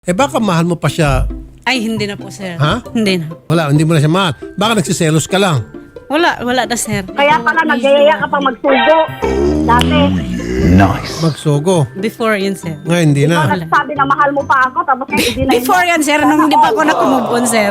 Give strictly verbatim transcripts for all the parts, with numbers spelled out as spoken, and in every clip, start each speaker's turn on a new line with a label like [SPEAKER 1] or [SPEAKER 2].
[SPEAKER 1] Eh baka mahal mo pa siya.
[SPEAKER 2] Ay, hindi na po, sir.
[SPEAKER 1] Ha?
[SPEAKER 2] Hindi na.
[SPEAKER 1] Wala, hindi mo na siya mahal. Baka nagsiselos ka lang.
[SPEAKER 2] Wala, wala na, sir.
[SPEAKER 3] Kaya pala nagyayaya ka pang magsugo. Dati,
[SPEAKER 1] Magsugo.
[SPEAKER 2] Before yun, sir.
[SPEAKER 1] Ngayon hindi na.
[SPEAKER 3] parang sabi na mahal mo pa ako, tapos ngayon hindi na.
[SPEAKER 2] Before yan, sir. Nung hindi pa ako nakumove on, sir.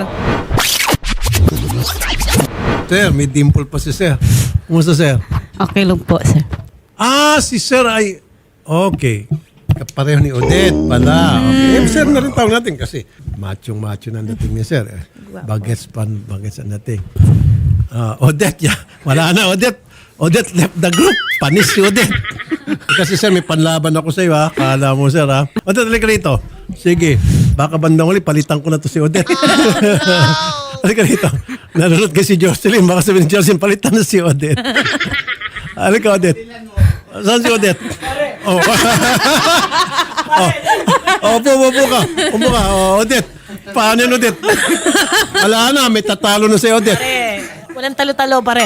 [SPEAKER 1] Sir, may dimple pa si sir. Kumusta sir?
[SPEAKER 2] Okay lang po, sir.
[SPEAKER 1] Ah, si sir ay... Okay. Kapareho ni Odette pala. Okay. Eh, sir na rin tawag natin kasi machong-macho na dating ni sir. Eh. Bagets pan, bagets ang dating. Ah, Odette, ya. Wala na, Odette. Odette left the group. Panis si Odette. Kasi sir, may panlaban ako sa iyo, ha? Kala mo, sir, ha? Odette, halika rito. Sige. Baka bandang uli, palitan ko na to si Odette. Halika rito. Nanonood ka si Jocelyn. Baka sabihin ni Jocelyn, palitan na si Odette. Halika, Odette. Saan si Odette? Oh. oh. Oh, upo, upo ka. Upo ka. Oh, Odette. Paano yun, Odette? Wala na, may tatalo na si Odette.
[SPEAKER 2] Walang talo-talo, pare.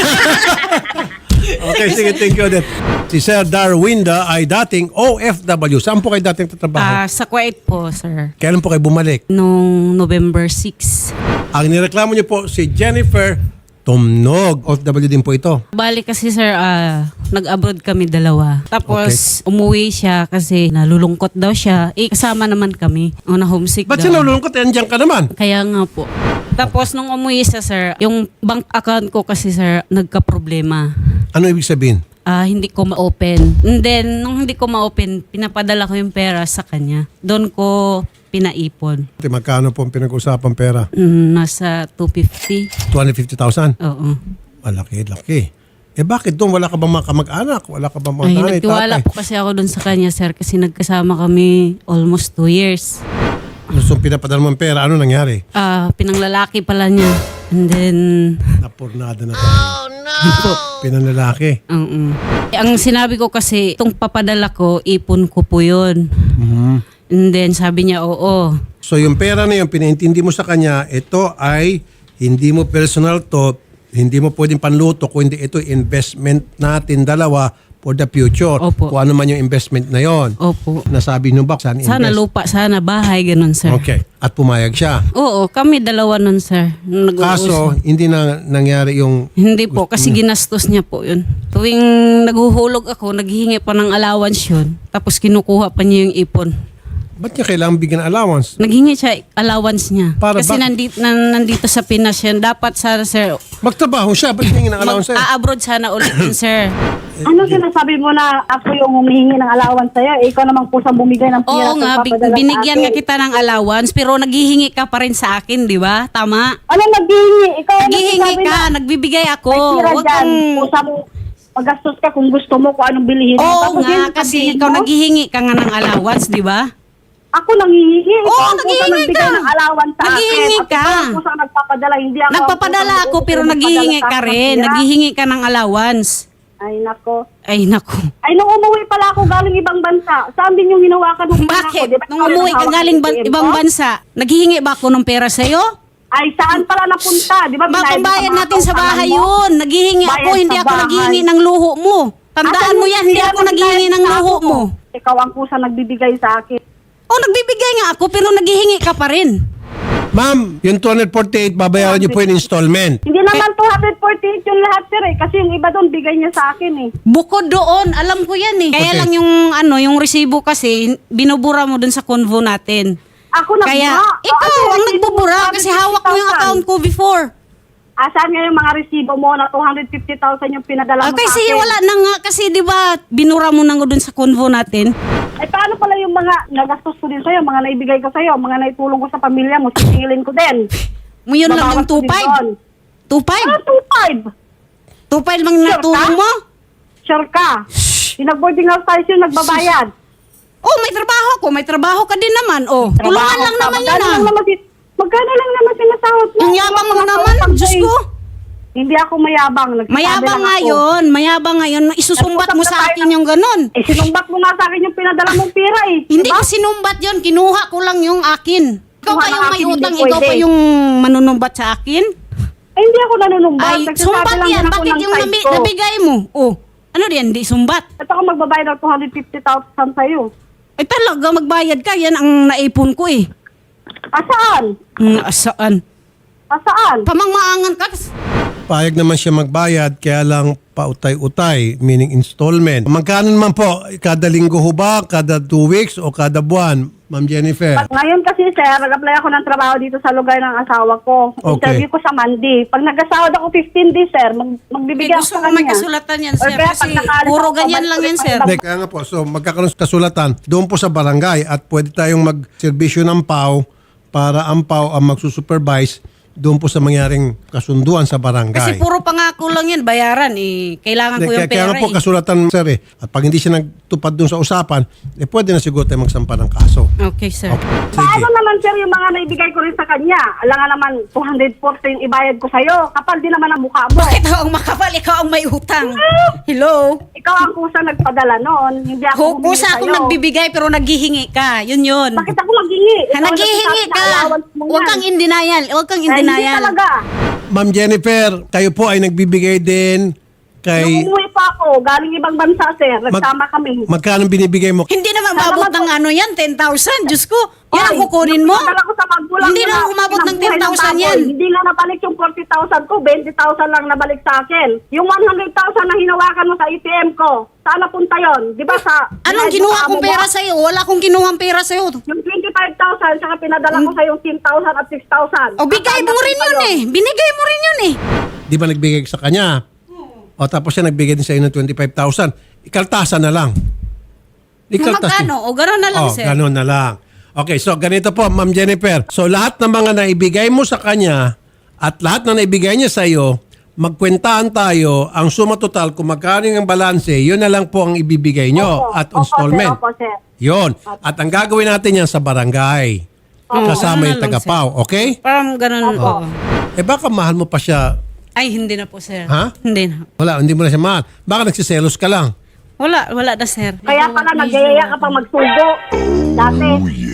[SPEAKER 1] Okay, sige, thank you, Odette. Si Sir Darwinda ay dating O F W. Saan po kayo dating tatrabaho?
[SPEAKER 2] Ah, sa Kuwait po, sir.
[SPEAKER 1] Kailan po kayo bumalik?
[SPEAKER 2] Nung November sixth.
[SPEAKER 1] Ang nireklamo niyo po si Jennifer Tumnog. O F W din po ito.
[SPEAKER 2] Bali kasi, sir, ah, nag-abroad kami dalawa. Tapos, umuwi siya kasi nalulungkot daw siya. Eh, kasama naman kami. O, na homesick
[SPEAKER 1] Ba't
[SPEAKER 2] daw.
[SPEAKER 1] siya nalulungkot? Eh, andiyan ka naman.
[SPEAKER 2] Kaya nga po. Tapos, nung umuwi siya, sir, yung bank account ko kasi, sir, nagka-problema.
[SPEAKER 1] Ano ibig sabihin?
[SPEAKER 2] Ah, hindi ko ma-open. And then, nung hindi ko ma-open, pinapadala ko yung pera sa kanya. Doon ko pinaipon.
[SPEAKER 1] Magkano po ang pinag-usapang pera?
[SPEAKER 2] Mm, nasa two fifty.
[SPEAKER 1] two hundred fifty thousand?
[SPEAKER 2] Oo.
[SPEAKER 1] Malaki, laki. Eh bakit doon? Wala ka bang mga kamag-anak? Wala ka bang mga
[SPEAKER 2] Ay,
[SPEAKER 1] nanay,
[SPEAKER 2] nagtiwala
[SPEAKER 1] tatay?
[SPEAKER 2] po kasi ako doon sa kanya, sir, kasi nagkasama kami almost two years.
[SPEAKER 1] Gusto pinapadala mo ang pera. Ano nangyari?
[SPEAKER 2] Ah, pinanglalaki pala niya. And then,
[SPEAKER 1] Napurnada na tayo. Oh no! Pinanlalaki.
[SPEAKER 2] oo. Eh, ang sinabi ko kasi, itong papadala ko, ipon ko po yun.
[SPEAKER 1] Mhm.
[SPEAKER 2] And then, sabi niya, oo.
[SPEAKER 1] So yung pera na yun, pinaintindi mo sa kanya, ito ay hindi mo personal to, hindi mo pwedeng panluto, kundi ito investment natin dalawa for the future.
[SPEAKER 2] Opo.
[SPEAKER 1] Kung ano man yung investment na yon.
[SPEAKER 2] Opo.
[SPEAKER 1] Nasabi nyo ba? Saan
[SPEAKER 2] Sana
[SPEAKER 1] invest?
[SPEAKER 2] lupa, sana bahay, ganun, sir.
[SPEAKER 1] Okay. At pumayag siya.
[SPEAKER 2] Oo, kami dalawa nun, sir. Nung nag-uusap.
[SPEAKER 1] Kaso, hindi na nangyari yung...
[SPEAKER 2] Hindi po, kasi ginastos niya po yun. Tuwing naghuhulog ako, naghihingi pa ng allowance yun. Tapos kinukuha pa niya yung ipon.
[SPEAKER 1] Ba't niya kailangan bigyan ng allowance?
[SPEAKER 2] Naghingi siya allowance niya.
[SPEAKER 1] Para
[SPEAKER 2] kasi
[SPEAKER 1] ba-
[SPEAKER 2] nandito, na, nandito sa Pinas yan. Dapat sana, sir,
[SPEAKER 1] Magtrabaho siya. Ba't hingin ng allowance sa'yo?
[SPEAKER 2] mag-abroad sana ulit yun, sir.
[SPEAKER 3] Ano sinasabi mo na ako yung humihingi ng allowance sa'yo? Eh, ikaw namang kusang bumigay ng pira
[SPEAKER 2] Oo
[SPEAKER 3] sa
[SPEAKER 2] nga, bi-
[SPEAKER 3] papadala sa
[SPEAKER 2] binigyan nga
[SPEAKER 3] akin.
[SPEAKER 2] kita ng allowance, pero naghihingi ka pa rin sa akin, di ba? Tama?
[SPEAKER 3] Ano naghihingi? Ikaw ang
[SPEAKER 2] Naghihingi
[SPEAKER 3] nagsasabi
[SPEAKER 2] ka,
[SPEAKER 3] na
[SPEAKER 2] nagbibigay ako.
[SPEAKER 3] may pira
[SPEAKER 2] Huwag
[SPEAKER 3] dyan.
[SPEAKER 2] kang...
[SPEAKER 3] Kusa mo, magastos ka kung gusto mo kung anong bilihin mo.
[SPEAKER 2] Oo
[SPEAKER 3] Tapos
[SPEAKER 2] nga,
[SPEAKER 3] yun,
[SPEAKER 2] kasi
[SPEAKER 3] sabihin
[SPEAKER 2] ikaw
[SPEAKER 3] mo,
[SPEAKER 2] naghihingi ka nga ng allowance, di ba?
[SPEAKER 3] Ako nanghihingi.
[SPEAKER 2] Oo,
[SPEAKER 3] Ikaw ang
[SPEAKER 2] naghihingi
[SPEAKER 3] kusang nagbigay
[SPEAKER 2] ka.
[SPEAKER 3] ng allowance sa
[SPEAKER 2] Naghihingi
[SPEAKER 3] akin. At
[SPEAKER 2] ka.
[SPEAKER 3] ikaw ang kusang nagpapadala. Hindi ako ang
[SPEAKER 2] Nagpapadala
[SPEAKER 3] kusang
[SPEAKER 2] ako pero
[SPEAKER 3] nagpapadala
[SPEAKER 2] naghihingi
[SPEAKER 3] sa
[SPEAKER 2] ka
[SPEAKER 3] akin ng
[SPEAKER 2] rin.
[SPEAKER 3] pira.
[SPEAKER 2] Naghihingi ka ng allowance.
[SPEAKER 3] Ay, nako.
[SPEAKER 2] Ay, naku.
[SPEAKER 3] Ay, nung umuwi pala ako galing ibang bansa, saan din yung hinawakan ng pera ko?
[SPEAKER 2] Bakit?
[SPEAKER 3] Di ba
[SPEAKER 2] Nung
[SPEAKER 3] ikaw
[SPEAKER 2] umuwi
[SPEAKER 3] yung
[SPEAKER 2] ka
[SPEAKER 3] hawak
[SPEAKER 2] galing
[SPEAKER 3] ng
[SPEAKER 2] ban-
[SPEAKER 3] A T M
[SPEAKER 2] ibang
[SPEAKER 3] ko?
[SPEAKER 2] bansa, naghihingi ba ako ng pera sa'yo?
[SPEAKER 3] Ay, saan pala napunta? Di ba? binayad mo
[SPEAKER 2] Babayad
[SPEAKER 3] mga
[SPEAKER 2] natin sa
[SPEAKER 3] kautangan
[SPEAKER 2] bahay
[SPEAKER 3] mo?
[SPEAKER 2] yun. Naghihingi
[SPEAKER 3] Bayad
[SPEAKER 2] ako, hindi
[SPEAKER 3] sa
[SPEAKER 2] ako
[SPEAKER 3] bahay.
[SPEAKER 2] naghihingi ng luho mo. Tandaan
[SPEAKER 3] Asan
[SPEAKER 2] mo
[SPEAKER 3] yung
[SPEAKER 2] yan, hindi
[SPEAKER 3] pera
[SPEAKER 2] ako
[SPEAKER 3] na
[SPEAKER 2] naghihingi
[SPEAKER 3] binayad
[SPEAKER 2] ng
[SPEAKER 3] sa
[SPEAKER 2] luho
[SPEAKER 3] ako?
[SPEAKER 2] mo.
[SPEAKER 3] Ikaw ang kusa nagbibigay sa akin.
[SPEAKER 2] Oh, nagbibigay nga ako pero naghihingi ka pa rin.
[SPEAKER 1] Ma'am, yung two hundred forty-eight, babayaran niyo po yung installment.
[SPEAKER 3] Hindi naman two hundred forty-eight yung lahat, sir, eh. Kasi yung iba doon, bigay niya sa akin, eh.
[SPEAKER 2] Bukod doon, alam ko yan eh. Kaya
[SPEAKER 1] Okay.
[SPEAKER 2] lang yung ano, yung resibo kasi binubura mo dun sa convo natin.
[SPEAKER 3] Ako nagbura.
[SPEAKER 2] Kaya
[SPEAKER 3] O,
[SPEAKER 2] ikaw
[SPEAKER 3] ano,
[SPEAKER 2] ang
[SPEAKER 3] resibo
[SPEAKER 2] nagbubura
[SPEAKER 3] mo,
[SPEAKER 2] kasi hawak mo yung
[SPEAKER 3] two hundred fifty thousand.
[SPEAKER 2] account ko before.
[SPEAKER 3] Asan nga yung mga resibo mo na two hundred fifty thousand yung pinadala
[SPEAKER 2] Ah,
[SPEAKER 3] mo
[SPEAKER 2] kasi
[SPEAKER 3] sa akin?
[SPEAKER 2] wala na nga kasi 'di ba binura mo na nga dun sa convo natin.
[SPEAKER 3] Ay, paano pala yung mga nagastos ko din sa'yo, mga naibigay ko sa'yo, mga naitulong ko sa pamilya mo, sisingilin ko din.
[SPEAKER 2] Mo yun lang
[SPEAKER 3] Babawas
[SPEAKER 2] yung
[SPEAKER 3] ko
[SPEAKER 2] two
[SPEAKER 3] din
[SPEAKER 2] five.
[SPEAKER 3] doon.
[SPEAKER 2] two five?
[SPEAKER 3] Ano two five?
[SPEAKER 2] two five lang
[SPEAKER 3] Sure
[SPEAKER 2] natulong
[SPEAKER 3] ka?
[SPEAKER 2] mo?
[SPEAKER 3] Sure ka? Pinag-boarding house tayo siya, nagbabayad.
[SPEAKER 2] Oh, may trabaho ko, may trabaho ka din naman. Oh, tulungan lang
[SPEAKER 3] ka.
[SPEAKER 2] naman yun
[SPEAKER 3] Magkano
[SPEAKER 2] ah.
[SPEAKER 3] lang naman si- Magkano lang naman sinasahod mo?
[SPEAKER 2] Ang yabang mo
[SPEAKER 3] Wala
[SPEAKER 2] naman,
[SPEAKER 3] akong
[SPEAKER 2] Diyos
[SPEAKER 3] pagkain.
[SPEAKER 2] ko.
[SPEAKER 3] Hindi ako mayabang. Nagsasabi
[SPEAKER 2] Mayabang
[SPEAKER 3] lang
[SPEAKER 2] nga
[SPEAKER 3] ako.
[SPEAKER 2] yun, mayabang nga yun. Isusumbat mo sa akin yung ganun.
[SPEAKER 3] Eh, sinumbat mo nga sa akin yung pinadala mong pira eh.
[SPEAKER 2] Hindi
[SPEAKER 3] Diba?
[SPEAKER 2] ko sinumbat yun, kinuha ko lang yung akin. Ikaw
[SPEAKER 3] Kinuha
[SPEAKER 2] pa
[SPEAKER 3] ng
[SPEAKER 2] yung may
[SPEAKER 3] akin, hindi
[SPEAKER 2] utang, ikaw
[SPEAKER 3] pwede.
[SPEAKER 2] pa yung manunumbat sa akin.
[SPEAKER 3] Eh, hindi ako nanunumbat.
[SPEAKER 2] Ay,
[SPEAKER 3] Nagsasabi
[SPEAKER 2] sumbat
[SPEAKER 3] lang
[SPEAKER 2] yan.
[SPEAKER 3] din ako
[SPEAKER 2] Bakit
[SPEAKER 3] ng
[SPEAKER 2] yung
[SPEAKER 3] side
[SPEAKER 2] nabi-
[SPEAKER 3] ko.
[SPEAKER 2] nabigay mo? Oh, ano yan, di sumbat.
[SPEAKER 3] Ito ako magbabayad ng two hundred fifty thousand sa'yo.
[SPEAKER 2] Ay talaga, magbayad ka. Yan ang naipon ko eh.
[SPEAKER 3] Asaan?
[SPEAKER 2] Mm, asaan?
[SPEAKER 3] Asaan?
[SPEAKER 2] Pamangmaangan ka.
[SPEAKER 1] Payag naman siya magbayad, kaya lang pautay-utay, meaning installment. Magkano naman po? Kada linggo ho ba? Kada two weeks o kada buwan? Ma'am Jennifer?
[SPEAKER 3] Ngayon kasi sir, nag-apply ako ng trabaho dito sa lugar ng asawa ko.
[SPEAKER 1] Okay.
[SPEAKER 3] Interview ko sa Monday. Pag nag-asawa ako fifteen days sir, mag magbibigay
[SPEAKER 2] Eh,
[SPEAKER 3] ako
[SPEAKER 2] gusto
[SPEAKER 3] sa
[SPEAKER 2] ko may
[SPEAKER 3] kanya.
[SPEAKER 2] kasulatan yan,
[SPEAKER 3] Or
[SPEAKER 2] sir.
[SPEAKER 3] kaya
[SPEAKER 2] Kasi
[SPEAKER 3] pag nakaalis
[SPEAKER 2] puro
[SPEAKER 3] ako,
[SPEAKER 2] ganyan
[SPEAKER 3] babalik
[SPEAKER 2] lang yan,
[SPEAKER 3] ulit
[SPEAKER 2] sir.
[SPEAKER 3] ako.
[SPEAKER 1] Hindi, kaya nga po. So, magkakaroon sa kasulatan doon po sa barangay at pwede tayong mag-serbisyo ng P A W para ang P A W ang magsusupervise doon po sa mangyaring kasunduan sa barangay.
[SPEAKER 2] Kasi puro pangako lang yan, bayaran eh. Kailangan ko
[SPEAKER 1] Kaya,
[SPEAKER 2] yung
[SPEAKER 1] kaya
[SPEAKER 2] pera
[SPEAKER 1] nga po
[SPEAKER 2] eh.
[SPEAKER 1] kasulatan, sir eh. At pag hindi siya nagtupad doon sa usapan, eh pwede na siguro tayo magsampa ng kaso.
[SPEAKER 2] Okay, sir.
[SPEAKER 1] Okay. Sige.
[SPEAKER 3] Paano naman sir yung mga naibigay ko rin sa kanya? Alam nga naman, two hundred forty yung ibayad ko sa'yo. Kapal din naman ang mukha mo.
[SPEAKER 2] Bakit ako ang makapal? Ikaw ang may utang. Hello?
[SPEAKER 3] Ikaw ang kusa nagpadala noon. Hindi ako humingi
[SPEAKER 2] Kusa ako
[SPEAKER 3] sa'yo.
[SPEAKER 2] nagbibigay pero naghihingi ka. Yun yun.
[SPEAKER 3] Bakit ako maghingi?
[SPEAKER 2] Ha, naghihingi ka. Huwag kang in denial. Huwag kang in
[SPEAKER 3] Hindi
[SPEAKER 2] denial.
[SPEAKER 3] talaga.
[SPEAKER 1] Ma'am Jennifer, kayo po ay nagbibigay din kay...
[SPEAKER 3] Nung umuwi pa ako, galing ibang bansa sir, nagsama kami.
[SPEAKER 1] Magkano binibigay mo?
[SPEAKER 2] Hindi naman
[SPEAKER 3] Sana
[SPEAKER 2] mabot
[SPEAKER 3] mag-
[SPEAKER 2] ng ano yan, ten thousand. Diyos ko. Yan ang
[SPEAKER 3] Ay,
[SPEAKER 2] kukunin mo.
[SPEAKER 3] Dala ko sa magulang
[SPEAKER 2] Hindi
[SPEAKER 3] ko
[SPEAKER 2] naman umabot ng
[SPEAKER 3] kinabuhay
[SPEAKER 2] ten thousand
[SPEAKER 3] baboy.
[SPEAKER 2] yan.
[SPEAKER 3] Hindi nga nabalik yung forty thousand ko, twenty thousand lang nabalik sa akin. Yung one hundred thousand na hinawakan mo sa A T M ko, saan napunta yon? Di ba sa...
[SPEAKER 2] Anong kinuha kong pera sa'yo? Wala akong kinuhang pera sa'yo.
[SPEAKER 3] Yung twenty-five thousand, saka pinadala ko sa yung ten thousand at six thousand.
[SPEAKER 2] O bigay mo rin yun eh. Binigay mo rin yun eh.
[SPEAKER 1] Di ba nagbigay ka sa kanya? O tapos siya nagbigay din sa iyo ng twenty-five thousand. Ikaltasan na lang. Ikaltas din.
[SPEAKER 2] Magkano? O gano'n na lang,
[SPEAKER 1] Oh,
[SPEAKER 2] sir.
[SPEAKER 1] ganun na lang. Okay, so ganito po, Ma'am Jennifer. So lahat ng mga naibigay mo sa kanya at lahat na naibigay niya sa iyo, magkwentahan tayo ang suma total kung magkano yung balanse, yun na lang po ang ibibigay nyo
[SPEAKER 3] Opo,
[SPEAKER 1] at
[SPEAKER 3] opo,
[SPEAKER 1] installment.
[SPEAKER 3] sir, opo, sir.
[SPEAKER 1] Yun. At ang gagawin natin yan sa barangay. Kasama
[SPEAKER 2] Ganun
[SPEAKER 1] yung
[SPEAKER 2] na lang,
[SPEAKER 1] tagapaw, okay?
[SPEAKER 2] Parang gano'n.
[SPEAKER 3] Opo.
[SPEAKER 2] oo.
[SPEAKER 1] Eh baka mahal mo pa siya.
[SPEAKER 2] Ay, hindi na po, sir.
[SPEAKER 1] Ha?
[SPEAKER 2] Hindi na.
[SPEAKER 1] Wala, hindi mo na siya mahal. Baka nagsiselos ka lang.
[SPEAKER 2] Wala, wala na, sir.
[SPEAKER 3] Kaya pala nagyayaya ka pa magsugo. Dati,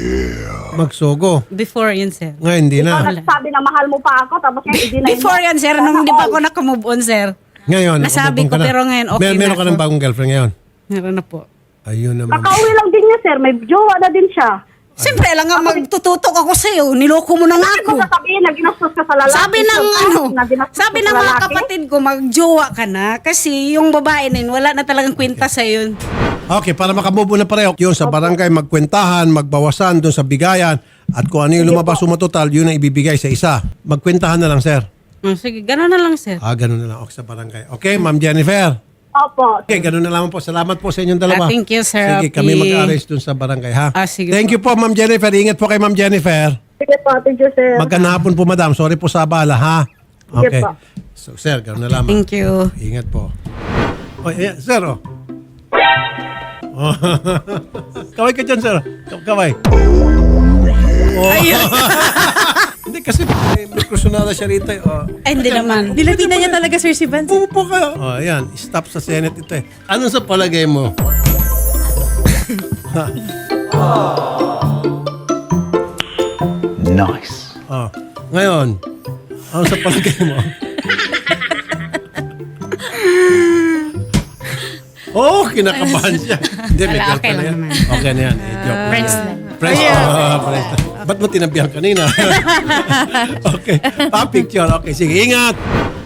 [SPEAKER 1] Magsugo.
[SPEAKER 2] Before yun, sir.
[SPEAKER 1] Ngayon, hindi
[SPEAKER 3] ikaw
[SPEAKER 1] na.
[SPEAKER 3] nagsabi na mahal mo pa ako, tapos ngayon hindi na.
[SPEAKER 2] Before yan, sir. Nung hindi pa ako nakamove on, sir.
[SPEAKER 1] Ngayon,
[SPEAKER 2] Nasabi
[SPEAKER 1] umubong ka
[SPEAKER 2] ko,
[SPEAKER 1] na.
[SPEAKER 2] pero ngayon okay
[SPEAKER 1] Mer- Meron
[SPEAKER 2] na
[SPEAKER 1] ka
[SPEAKER 2] ako.
[SPEAKER 1] ng bagong girlfriend ngayon.
[SPEAKER 2] Meron na po.
[SPEAKER 1] Ayun naman.
[SPEAKER 3] Kakauwi lang din niya, sir. May jowa na din siya.
[SPEAKER 2] Siyempre, lang nga magtututok ako sa'yo. Niloko mo na nga
[SPEAKER 3] Bakit
[SPEAKER 2] ako.
[SPEAKER 3] mo sasabihin na ginastos ka sa lalaki?
[SPEAKER 2] Sabi ng
[SPEAKER 3] sir,
[SPEAKER 2] ano,
[SPEAKER 3] na ginastos
[SPEAKER 2] sabi
[SPEAKER 3] ka
[SPEAKER 2] ng
[SPEAKER 3] sa
[SPEAKER 2] mga
[SPEAKER 3] lalaki?
[SPEAKER 2] kapatid ko, magjowa ka na. Kasi yung babae na yun, wala na talagang kwenta sa'yo.
[SPEAKER 1] Okay, para makamove on na pareho, yun sa barangay, magkwentahan, magbawasan doon sa bigayan, at kung ano yung lumabas suma total, yun ang ibibigay sa isa. Magkwentahan na lang, sir.
[SPEAKER 2] Oh, sige, gano'n na lang, sir.
[SPEAKER 1] Ah, ganun na lang. Okay, sa barangay. Okay, Ma'am Jennifer.
[SPEAKER 3] Opo.
[SPEAKER 1] Okay, ganun na lang po. Salamat po sa inyong dalawa.
[SPEAKER 2] Ah, thank you, Sir
[SPEAKER 1] Sige,
[SPEAKER 2] Rafi.
[SPEAKER 1] kami mag-arrange doon sa barangay, ha?
[SPEAKER 2] Ah, sige
[SPEAKER 1] Thank
[SPEAKER 2] po.
[SPEAKER 1] you po, Ma'am Jennifer. Ingat po kay Ma'am Jennifer.
[SPEAKER 3] Sige po, thank you, sir.
[SPEAKER 1] Magandang hapon po, madam. Sorry po sa abala, ha? Okay.
[SPEAKER 3] Sige po.
[SPEAKER 1] So, sir, ganun na lang.
[SPEAKER 2] Thank you.
[SPEAKER 1] Ingat po. Oh, ayan, sir, oh. Oh. Kaway ka dyan, sir. Ka- Kaway. Oh. Hindi, kasi may, may personala siya rito. eh. Oh.
[SPEAKER 2] Ay, hindi naman.
[SPEAKER 4] Dilapina niya talaga, Sir si Vance.
[SPEAKER 1] Pupo kayo. Oh, ayan. Stop sa Senate ito eh. Ano sa palagay mo?
[SPEAKER 5] Nice.
[SPEAKER 1] Oh. Ngayon, ano sa palagay mo? Oh, kinakabahan siya. Hindi, may
[SPEAKER 2] Wala,
[SPEAKER 1] girlfriend
[SPEAKER 2] okay
[SPEAKER 1] na
[SPEAKER 2] lang
[SPEAKER 1] yan.
[SPEAKER 2] naman.
[SPEAKER 1] Okay na yan. Eh, joke lang
[SPEAKER 2] Friends
[SPEAKER 1] yan.
[SPEAKER 2] lang.
[SPEAKER 1] Friends. Oh, friends lang. Ba't mo tinabihan kanina? Okay. Pa-picture. Okay, sige. Ingat.